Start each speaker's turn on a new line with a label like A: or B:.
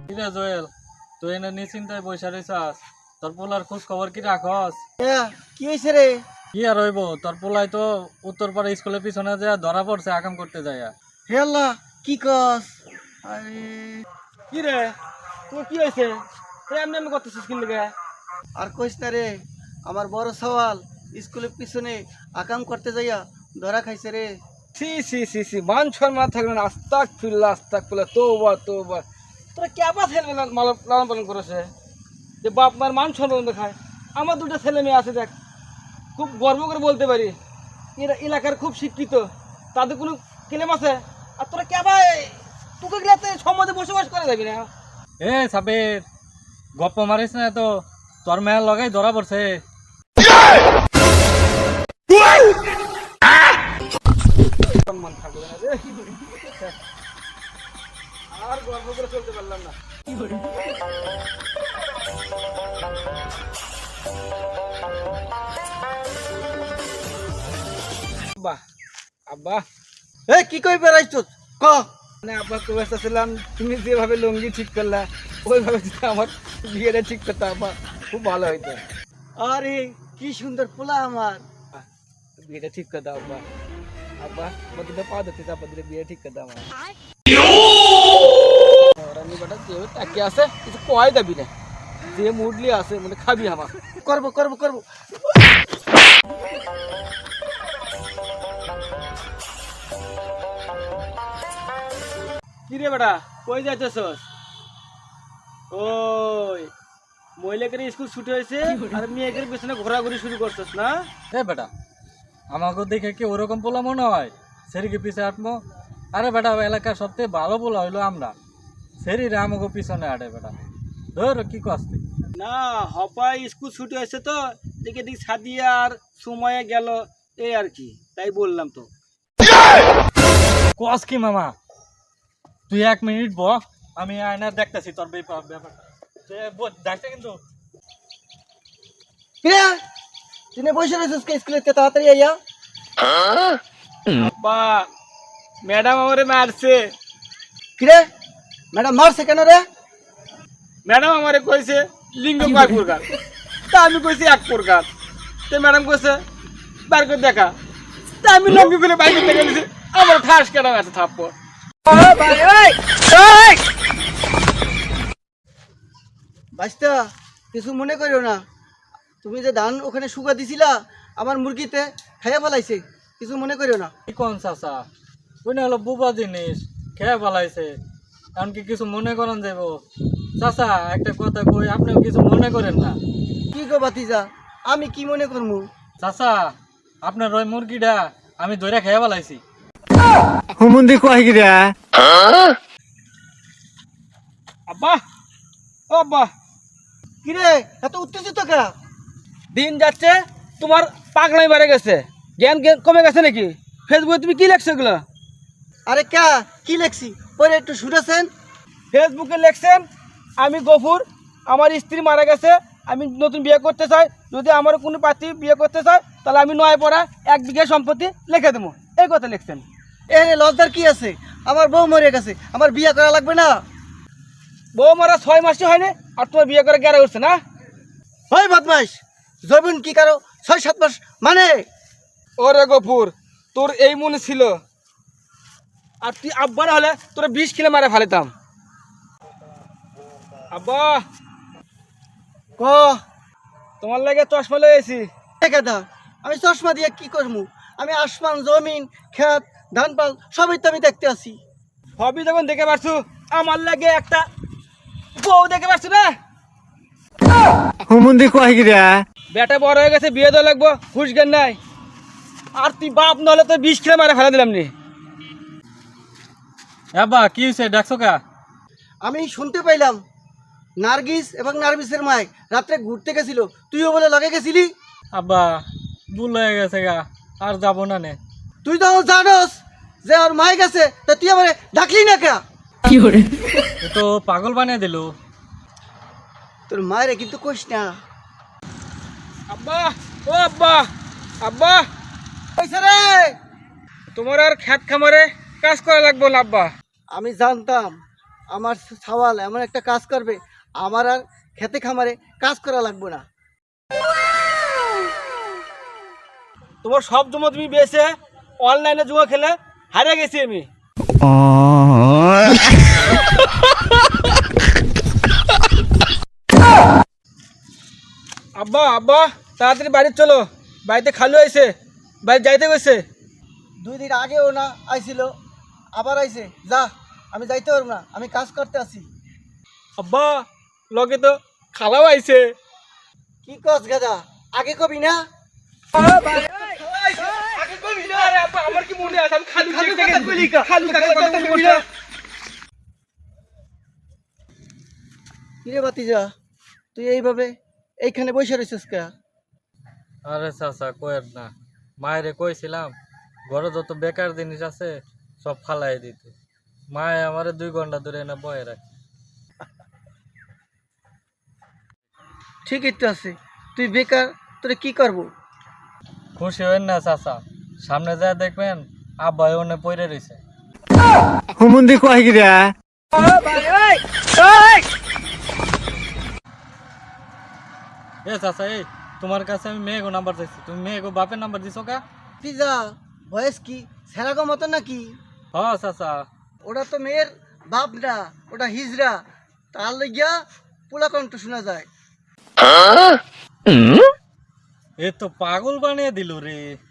A: কিরে জয়েল, তুই এনে নিশ্চিন্তায় বসে রইছাস, তোর পোলার খোঁজ খবর কি রাখস?
B: কি হয়েছে রে?
A: কি আর হইব, তোর পোলাই তো উত্তরপাড়া স্কুলের পিছনে যা ধরা পড়ছে আকাম করতে যায়।
B: হে আল্লাহ, কি কস? আরে
C: কি রে তোর কি হয়েছে? এমনি এমনি করতেছিস কি লেগে?
B: আর কইস না রে, আমার বড় সওয়াল স্কুলের পিছনে আকাম করতে যাইয়া ধরা খাইছে রে।
C: সি সি সি সি মান সম্মান থাকবে না। আস্তাগফিরুল্লাহ তওবা তওবা। তোরা কেবা ছেলে লালন পালন করেছে যে বাপ মার মান সম্মান দেখায়। আমার দুটো ছেলে মেয়ে আছে, দেখ খুব গর্ব করে বলতে পারি এরা এলাকার খুব শিক্ষিত, তাদের কোনো ক্লেম আছে। আর তোরা কেবা তোকে গেলে সমাজে বসবাস করে যাবি না।
A: এ সাবির, গপ্প মারিস না তো, তোর মেয়ের লগাই ধরা পড়ছে।
C: সম্মান থাকবে না রে। আর গর্ব করে চলতে পারলাম না। আব্বা আব্বা
B: কি কই বেড়াইছ ক?
C: মানে আব্বা খুব ব্যস্ত ছিলাম, তুমি যেভাবে লুঙ্গি ঠিক করলা ওইভাবে যদি আমার বিয়েটা ঠিক করতে আব্বা খুব ভালো হইতো।
B: আরে কি সুন্দর পোলা আমার।
C: বিয়েটা ঠিক করে দাও আব্বা। আব্বা আমার দুটো পা ধরতে আব্বা দুটো বিয়ে ঠিক করে দাও আমার। রানী বেটা যেভাবে তাকিয়ে আছে কিছু কয় দাবি না, যে মুডলি আছে মানে খাবি আমার।
B: করবো করবো করবো।
C: কি রে বেটা কই যাইতেছস? ওই মহিলাকে স্কুল ছুটি হয়েছে আর মেয়েদের পেছনে ঘোরাঘুরি শুরু করছস না?
A: এ বেটা, আমাকে দেখে কি ওরকম পোলা মনে হয়? সেরিকে পিছে আটমো? আরে বেটা, এলাকার সবথেকে ভালো পোলা হইলো আমরা, সেরিরে আমাকে পিছনে আটে বেটা। ধর কি কষ্ট।
C: না হপাই স্কুল ছুটি হয়েছে তো দেখে দিক সাদিয়া আর সময়ে গেল এই আর কি, তাই বললাম তো।
A: কস কি মামা, তুই 1 মিনিট ব, আমি আয়নার দেখতেছি তোর ব্যাপারটা। দেখতে কিন্তু
B: কিরে তুই বসে রয়েছিস স্কুলে, তাড়াতাড়ি আইয়া।
C: আব্বা ম্যাডাম আমারে মারছে।
B: কিরে ম্যাডাম মারছে কেন রে?
C: ম্যাডাম আমারে কইছে লিঙ্গ কয় প্রকার, তা আমি কইছি এক প্রকার। তো ম্যাডাম কইছে বার করে দেখা, তা আমি লঙ্গ করে বাইক করতে গেছি, আমার ঠাস কেন আছে থাপ্পড়।
B: বাস্তা কিছু মনে করিও না, তুমি যে ধান ওখানে শুকা দিছিলা আমার মুরগিতে খাইয়া ফেলাইছে, কিছু মনে করিও না।
A: কি কোন চাচা, ওই না হলো বুবা জিনিস, খেয়ে ফেলাইছে, এমনকি কিছু মনে করেন যাব? চাচা একটা কথা কই, আপনিও কিছু মনে করেন না।
B: কি গো বাতিজা, আমি কি মনে করবো?
A: চাচা আপনার ওই মুরগিটা আমি ধরে খেয়ে ফেলাইছি।
D: হুমুন্দি কয় গিরা
C: আব্বা ও আব্বা,
B: কিরে এত উত্তেজিত কা?
C: দিন যাচ্ছে তোমার পাগলাই বেড়ে গেছে, জ্ঞান কমে গেছে নাকি? ফেসবুকে তুমি কি লেখছো এগুলো?
B: আরে কা কি লেখছি পরে একটু শুনেছেন?
C: ফেসবুকে লেখছেন আমি গফুর, আমার স্ত্রী মারা গেছে, আমি নতুন বিয়ে করতে চাই, যদি আমার কোনো পাত্রী বিয়ে করতে চায় তাহলে আমি 9 পড়া 1 বিঘা সম্পত্তি লিখে দেবো, এই কথা লিখছেন।
B: এ লজ্জার কি আছে? আমার বউ মরে গেছে, আমার বিয়ে করা লাগবে না?
C: বউ মারা 6 মাসই হয়নি আর তোমার বিয়ে করে গেরা উঠছে না?
B: হয় বদমাস, জৈবন কি কারো 6-7 মাস মানে?
C: ওরে গফুর, তোর এই মনে ছিল, আর তুই আব্বা না হলে তোরা 20 কিলো মারে ফেলেতাম। আব্বা
B: ক
C: তোমার লাগে চশমা লয়েছি।
B: গাদা, আমি চশমা দিয়ে কি করবো? আমি আসমান জমিন ক্ষেত ধান পাল সবই তো আমি দেখতে আছি।
C: হবি যখন দেখে পারছু, আমার লাগে একটা বউ দেখে পারছু না?
D: হুমুন্দি কয় গিরা
C: বেটা বড় হয়ে গেছে, বিয়ে দেওয়া লাগবো, হুশ জ্ঞান নাই। আর তুই বাপ নহলে তো 20 কিলো মারে ফেলে দিলাম নি।
A: আব্বা কি হয়েছে, ডাকছো কা?
B: আমি শুনতে পাইলাম নার্গিস এবং নার্গিসের মায় রাত্রে ঘুরতে গেছিল, তুইও বলে লগে গেছিলি।
A: আব্বা ভুল হয়ে গেছে গা, আর যাবো না নে।
B: তুই তো জানোস যে ওর মায় গেছে, তা তুই আমার ডাকলি না কে?
A: ও তো পাগল বানিয়ে দিল।
B: তোর মায়েরে কিন্তু কইস না।
C: আব্বা ও আব্বা, আব্বা
B: কইছে রে?
C: তোমার আর খেত খামারে কাজ করা লাগবো না আব্বা।
B: আমি জানতাম আমার সওয়াল এমন একটা কাজ করবে, আমার আর খেতে খামারে কাজ করা লাগবে না।
C: তোমার সব জমা তুমি বেছে অনলাইনে জুয়া খেলে হারিয়ে গেছি আমি। আব্বা আব্বা তাড়াতাড়ি বাড়ি চলো, বাড়িতে খালু আইছে, বাড়ি যাইতে গেছে।
B: 2 দিন আগেও না আইছিল, আবার আইছে। যা, আমি যাইতে পারবো না, আমি কাজ করতে আছি।
C: আব্বা লগে তো খালাও আইছে।
B: কি কস গাদা, আগে কবি না?
C: আমার কি মনে আছে আমি খালু খালু
B: কিরে বাতিজা, তুই এইভাবে এইখানে বসে রয়েছিস কে?
A: আরে চাচা কয়ের না, মায়েরে কইছিলাম ঘরে যত বেকার জিনিস আছে সব ফালাই দিতে। মায়ে আমারে 2 ঘন্টা ধরে এনে বয়ে রাখে।
B: ঠিকই তো আছে, তুই বেকার, তোরে কি করবো?
A: খুশি হইন না চাচা, সামনে যায় দেখবেন আব্বা ওনে পড়ে রইছে।
D: হুমুন্দি কয় গিরা
A: এ চাচা, এই তোমার কাছে আমি মেয়েগো নাম্বার চাইছি, তুমি মেয়েগো বাপের নাম্বার দিছো কা?
B: পিজা বয়স কি সেরাগো মতো নাকি?
A: হ চাচা।
B: ওটা তো মেয়ের বাপ না, ওটা হিজড়া, তার লইয়া পোলা কণ্ঠ শোনা যায়।
A: এ তো পাগল বানিয়ে দিল রে।